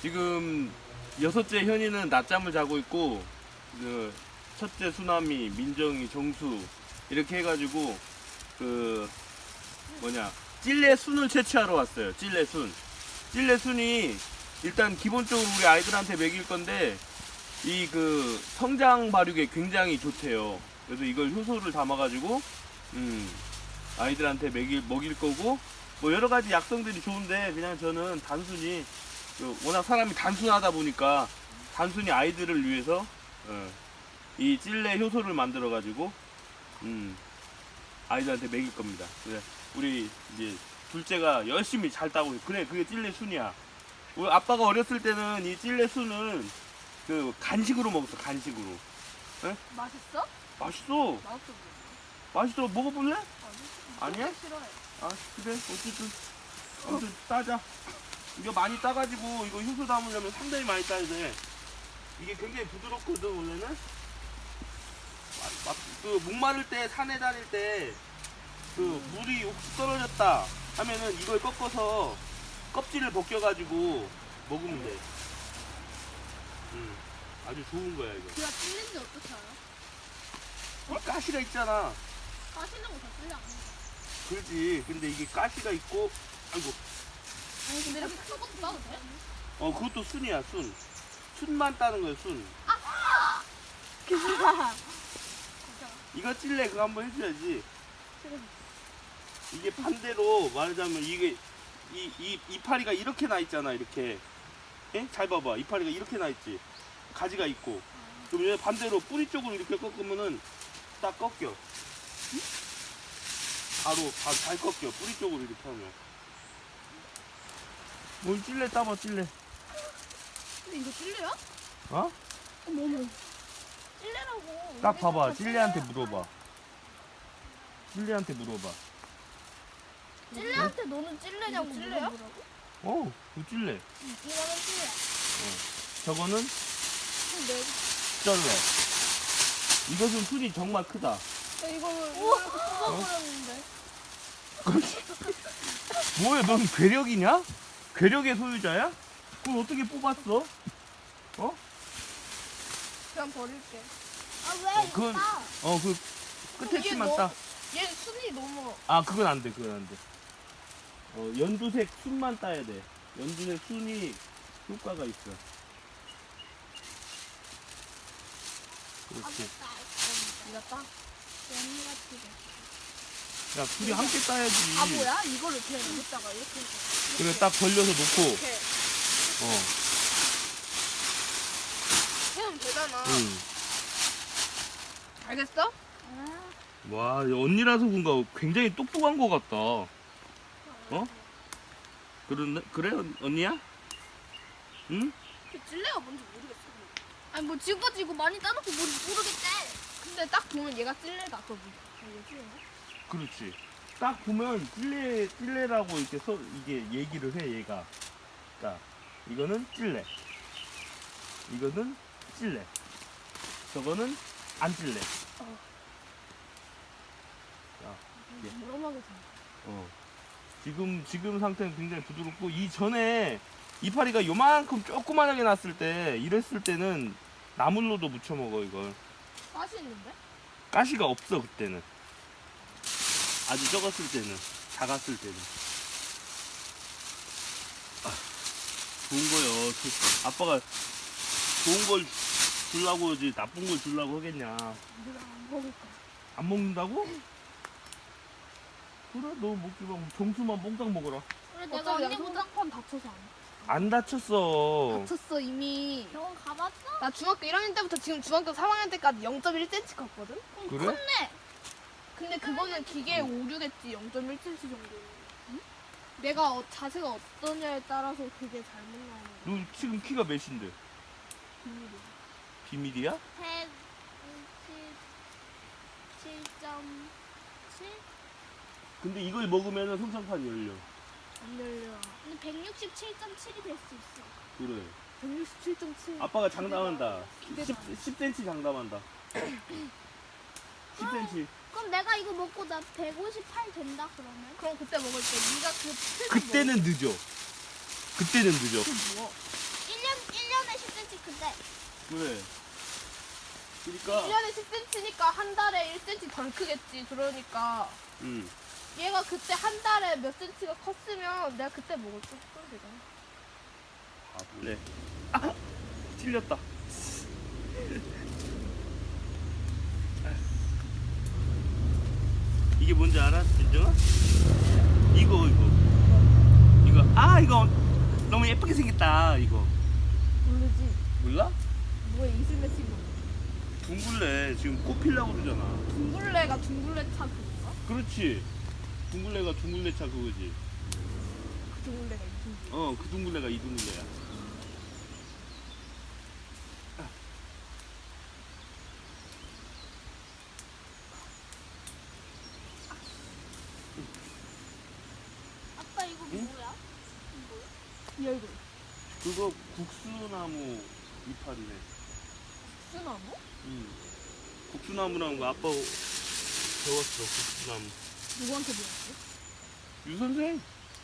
지금 여섯째 현이는 낮잠을 자고 있고, 그 첫째 수남이, 민정이, 정수 이렇게 해가지고 그 찔레 순을 채취하러 왔어요. 찔레 순. 찔레 순이 일단 기본적으로 우리 아이들한테 먹일 건데 이 그 성장 발육에 굉장히 좋대요. 그래서 이걸 효소를 담아가지고 아이들한테 먹일 거고, 뭐 여러 가지 약성들이 좋은데 그냥 저는 단순히 워낙 사람이 단순하다 보니까 단순히 아이들을 위해서 이 찔레 효소를 만들어 가지고 아이들한테 먹일 겁니다. 그래, 우리 이제 둘째가 열심히 잘 따고 있어. 그래, 그게 찔레 순이야. 우리 아빠가 어렸을 때는 이 찔레 순을 그 간식으로 먹었어. 간식으로. 에? 맛있어? 맛있어. 맛없어. 맛있어. 먹어볼래? 아니야? 싫어해. 아, 그래. 어쨌든 아무튼 따자. 이거 많이 따가지고 이거 효소 담으려면 상당히 많이 따야 돼. 이게 굉장히 부드럽거든 원래는. 그 목마를 때 산에 다닐 때 그 물이 혹시 떨어졌다 하면은 이걸 꺾어서 껍질을 벗겨가지고 먹으면 돼. 아주 좋은 거야 이거. 그가 찔린지 어떻게 알아? 이 가시가 있잖아. 까시는 거 다 찔려 안 해. 그렇지. 근데 이게 가시가 있고, 아이고. 아니 근데 이렇게 큰 것도 따도 돼? 그것도 순이야 순. 순만 따는 거야 순. 괜찮아. 이거 찔레 그거 한번 해줘야지. 이게 반대로 말하자면 이게 이 이파리가 이렇게 나 있잖아. 이렇게. 예? 잘 봐봐. 이파리가 이렇게 나 있지. 가지가 있고. 그럼 얘 반대로 뿌리 쪽으로 이렇게 꺾으면은 딱 꺾여. 바로 잘 꺾여. 뿌리 쪽으로 이렇게 하면. 뭘 찔레 따봐 찔레. 근데 이거 찔려야? 어? 어머. 찔레라고. 딱 봐봐. 찔레한테 물어봐. 찔레한테 물어봐. 찔레한테 너는 찔레냐고. 찔레야? 그 찔레. 이거는 찔레야. 저거는 근데 쩔레. 이것은 순이 정말 크다. 이거를 뽑아버렸는데. 뭐야, 넌 괴력이냐? 괴력의 소유자야? 그걸 어떻게 뽑았어? 그냥 버릴게. 그건, 그 끝에 치만 따. 얘 순이 너무. 아, 그건 안 돼, 그건 안 돼. 연두색 순만 따야 돼. 연두색 순이 효과가 있어. 그렇지. 이거 따? 언니가 튀겨. 야, 둘이 함께 따야지. 아 뭐야? 이거를 그냥 여기다가 이렇게 해서. 그래, 딱 벌려서 놓고. 이렇게 해면 되잖아. 응. 알겠어? 와, 언니라서 그런가 굉장히 똑똑한 것 같다. 그래, 언니야? 응? 그 찔레가 뭔지 모르겠어. 아니 뭐 지금까지 이거 많이 따놓고 모르겠대. 근데 딱 보면 얘가 찔레다. 그거 이게 찔레야? 그렇지. 딱 보면 찔레라고 이렇게 이게 얘기를 해, 얘가. 자, 이거는 찔레. 이거는 찔레. 저거는 안 찔레. 무럼하게 생겼어. 지금 상태는 굉장히 부드럽고, 이전에 이파리가 요만큼 조그만하게 났을 때, 이랬을 때는 나물로도 무쳐 먹어, 이걸. 맛이 있는데? 가시가 없어, 그때는. 아주 적었을 때는, 작았을 때는. 좋은 거요. 아빠가 좋은 걸 주려고 하지, 나쁜 걸 주려고 하겠냐. 내가 안 먹을 거야. 안 먹는다고? 그래, 너 먹지 마. 정수만 몽땅 먹어라. 그래 내가 언니보다 판 다쳐서 안 해. 안 다쳤어. 다쳤어 이미. 병원 가봤어? 나 중학교 1학년 때부터 지금 중학교 3학년 때까지 0.1cm 컸거든? 그래? 컸네. 근데 그거는 기계에 오류겠지 0.1cm 정도. 응? 내가 자세가 어떠냐에 따라서 그게 잘못 나오는 거야. 너 지금 키가 몇인데? 비밀이야. 비밀이야? 167.7? 근데 이걸 먹으면 성장판이 열려. 안 열려. 근데 167.7이 될 수 있어. 그래. 167.7. 아빠가 장담한다. 기대가 안 돼. 10cm 장담한다. 10cm. 그럼 내가 이거 먹고 나 158 된다 그러면? 그럼 그때 먹을 때 네가 그 그때는 늦어. 그때는 늦어. 그 뭐? 크대. 그래. 그러니까 1년에 10cm니까 한 달에 1cm 덜 크겠지. 그러니까 얘가 그때 한 달에 몇 cm가 컸으면 내가 그때 먹을 수 있으면 되잖아. 네. 아, 틀렸다. 이게 뭔지 알아, 진정아? 이거. 이거 너무 예쁘게 생겼다. 이거 모르지. 몰라? 뭐야 이슬매 친구. 둥글레 지금 꽃 피려고 그러잖아. 둥글레가 둥글레 차 그건가? 그렇지. 둥글레가 둥글레차 그거지. 그 둥글레가 이 둥글레. 그 둥글레가 이 둥글레야. 아빠 이거 응? 뭐야? 이 얼굴. 그거 국수나무 이파리네. 수나무? 국수나무라는 거 아빠 배웠어. 국수나무. 누구한테 배웠지? 유 선생.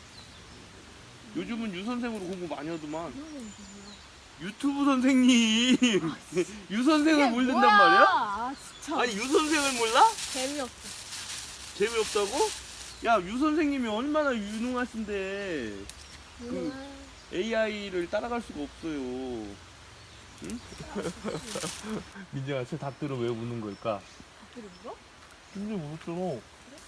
요즘은 유 선생으로 공부 많이 하더만. 이런 건 누구야? 유튜브 선생님. 유 선생을 모른단 말이야? 아 진짜. 아니 유 선생을 몰라? 재미없어. 재미없다고? 야 유 선생님이 얼마나 유능하신데 AI를 따라갈 수가 없어요. 응? 민정아, 쟤 답들은 왜 우는 걸까? 그래 물어? 근데 울었잖아.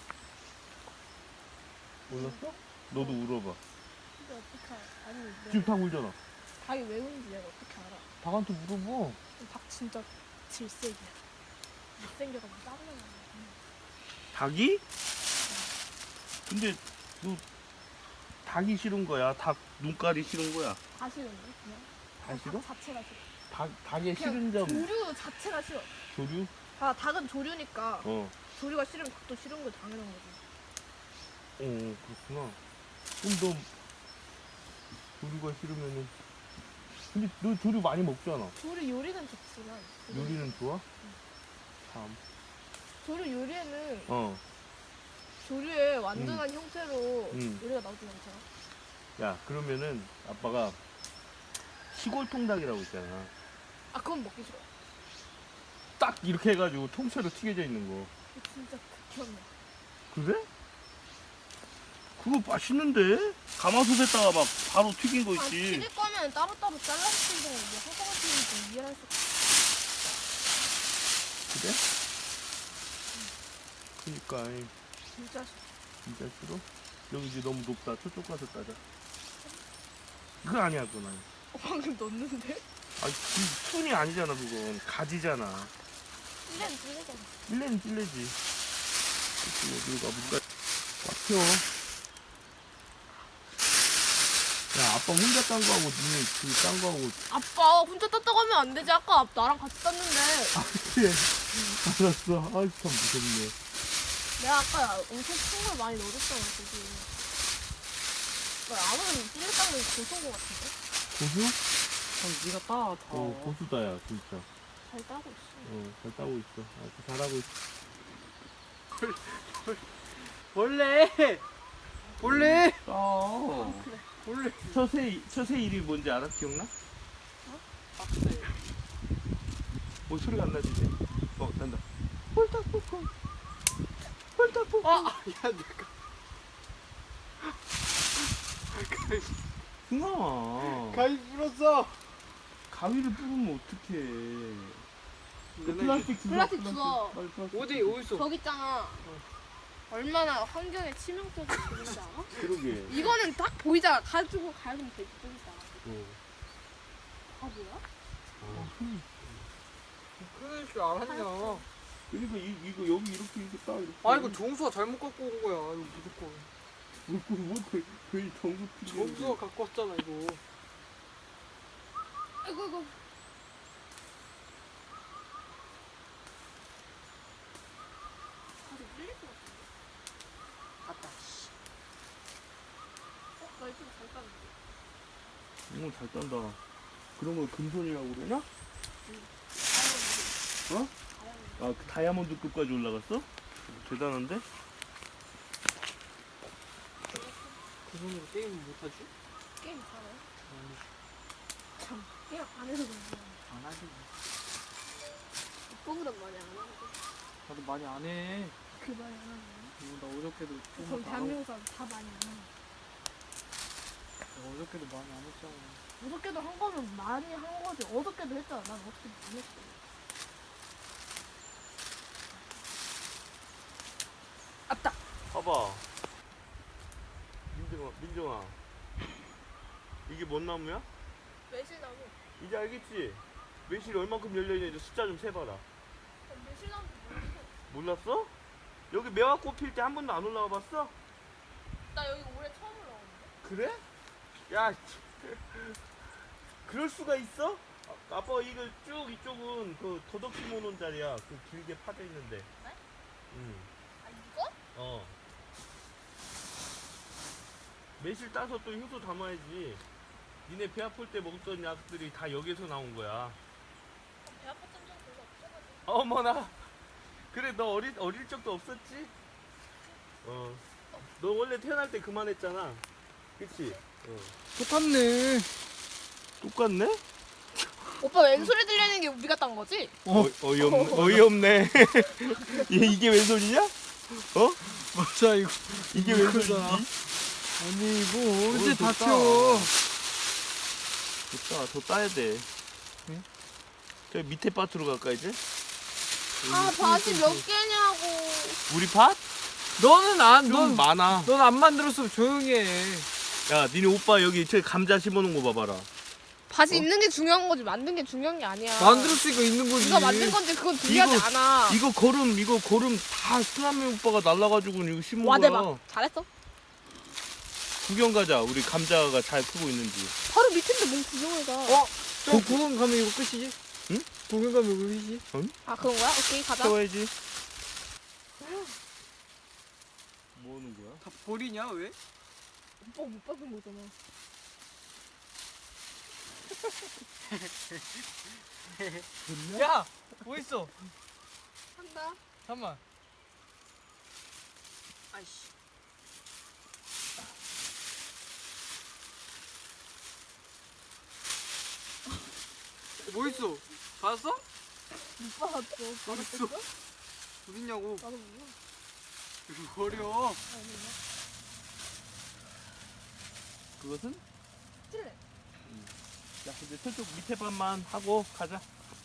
몰랐어? 너도 울어봐. 근데 어떻게 알아? 아니 내가 지금 닭 울잖아. 닭이 왜 우는지 내가 어떻게 알아? 닭한테 물어봐. 닭 진짜 질색이야. 못생겨가지고 짜증나. 닭이? 근데 너 닭이 싫은 거야? 닭 눈깔이 싫은 거야? 다 싫은데 그냥. 다 싫어? 닭 자체가 싫어. 닭의 그냥 싫은 점 조류 자체가 싫어. 조류? 아 닭은 조류니까 조류가 싫으면 닭도 싫은 거 당연한 거지. 그렇구나. 그럼 너 조류가 싫으면은 근데 너 조류 많이 먹잖아. 조류 요리는 좋지만 요리는 좋아? 참. 조류 요리에는 어. 조류의 완전한 형태로 음. 요리가 나오진 않잖아. 야, 그러면은 아빠가 시골 통닭이라고 있잖아. 아 그건 먹기 싫어. 딱 이렇게 해가지고 통째로 튀겨져 있는 거. 그거 진짜 극혐이야. 그래? 그거 맛있는데? 가마솥에다가 막 바로 튀긴 거 아 있지. 튀길 거면 따로따로 잘라서 튀기는 게 한꺼번에 튀기는 좀 이해할 수 없어. 그래? 그니까 아이, 진짜 싫어. 진짜 싫어? 여기 이제 너무 높다. 저쪽 가서 따자. 그거 아니야, 그건 아니야. 방금 넣었는데? 아니, 순이 아니잖아, 그건. 가지잖아. 찔레는 찔레잖아. 찔레는 찔레지. 그치, 여기로 가볼까? 막혀. 야, 아빠 혼자 딴 거하고, 니네 그딴 거하고. 아빠 혼자 땄다고 하면 안 되지. 아까 나랑 같이 땄는데 아, 그래. 알았어. 아이, 참 무섭네. 내가 아까 엄청 큰 걸 많이 넣어줬잖아. 거기. 아무래도 찔레 닦는 게 고소한 거 같은데? 고수? 네가 따, 다. 고수다야, 진짜. 잘 따고 있어. 잘 따고 있어. 잘하고 있어. 원래 그래. 원래 처새 이름이 뭔지 알아? 기억나? 빡세. 소리가 안 나지, 이제? 난다. 홀딱볶음. 홀딱볶음. 야 내가 승아. 가위 불었어. 가위를 뿌리면 어떡해. 그 플라스틱 주워. 플라스틱 주워. 빨리 플라스틱. 어디 있어? 저기 있잖아. 얼마나 환경에 치명적인 일인지 알아? 그러게. 이거는 딱 보이잖아. 가지고 가면 되지. 보이잖아. 바보야? 그럴 줄 알았냐? 그러니까 이거 여기 이렇게 딱 이렇게. 아 이거 정수가 잘못 갖고 온 거야. 이거 무조건. 뭐 거의 정수 필요. 정수가 갖고 왔잖아 이거. 아이고. 아직 밀릴 것 같은데. 갔다. 나 이쪽에 잘 따는데. 잘 딴다. 그런 걸 금손이라고 그러냐? 그 다이아몬드급까지 올라갔어? 대단한데? 그 손으로 게임을 못하지? 게임 잘해. 참. 그냥 안에서 그런 거야. 안 하지. 오빠보다 많이 안 하거든. 나도 많이 안 해. 그 많이 안 하는 나 어저께도 그럼 조금 안 하고. 대한민국 사람 다 많이 안 하는 어저께도 많이 안 했잖아. 어저께도 한 거면 많이 한 거지. 어저께도 했잖아. 난 어저께 안 했어. 아따. 봐봐. 민정아. 이게 뭔 나무야? 매실나무. 이제 알겠지? 매실이 얼만큼 열려있는지 숫자 좀 세봐라. 매실나무 몰랐어? 여기 매화꽃 필 때 한 번도 안 올라와 봤어? 나 여기 올해 처음 올라오는데. 그래? 야, 그럴 수가 있어? 아빠 이거 쭉 이쪽은 그 도덕 심어놓은 자리야. 그 길게 파져 있는데. 네? 응. 아 이거? 어. 매실 따서 또 효소 담아야지. 니네 배 아플 때 먹던 약들이 다 여기서 나온 거야. 배 아팠던 적 별로 없어가지고. 어머나. 그래 너 어릴 적도 없었지? 어. 너 원래 태어날 때 그만했잖아. 그치? 어. 똑같네. 똑같네? 오빠 왼소리 들리는 게 우리가 딴 거지? 어이없네. 이게 웬 소리냐? 어? 맞아 이거. 이게 웬 소리지? 아니 이거 언제 좋다. 다쳐? 좋다. 더 따야 돼. 응? 저 밑에 밭으로 갈까 이제? 아 밭이 몇 개냐고. 우리 밭? 너는 좀 많아. 넌 안 만들었으면 조용히 해. 야, 니네 오빠 여기 저 감자 심어놓은 거 봐봐라. 밭이 있는 게 중요한 거지 만든 게 중요한 게 아니야. 만들었으니까 있는 거지. 네가 만든 건지 그건 중요하지 이거- 않아. 이거 거름 다 수남이 오빠가 날라가지고 이거 심은 와 거야. 대박. 잘했어. 구경 가자. 우리 감자가 잘 크고 있는지. 바로 밑인데 뭔 구경을 가. 어? 저 구경 가면 이거 끝이지? 응? 구경 가면 이거 끝이지? 아 그런 거야? 오케이 가자. 세워야지. 뭐 하는 거야? 다 버리냐 왜? 오빠 못 받은 거잖아. 야! 뭐 있어? 한다. 잠깐만. 아이씨. 뭐 있어? 받았어? 못 받았어. 받았어. 어딨냐고. 나도 몰라. 이거 버려. 그것은? 찔래. 야, 이제 저쪽 밑에 밭만 하고 가자.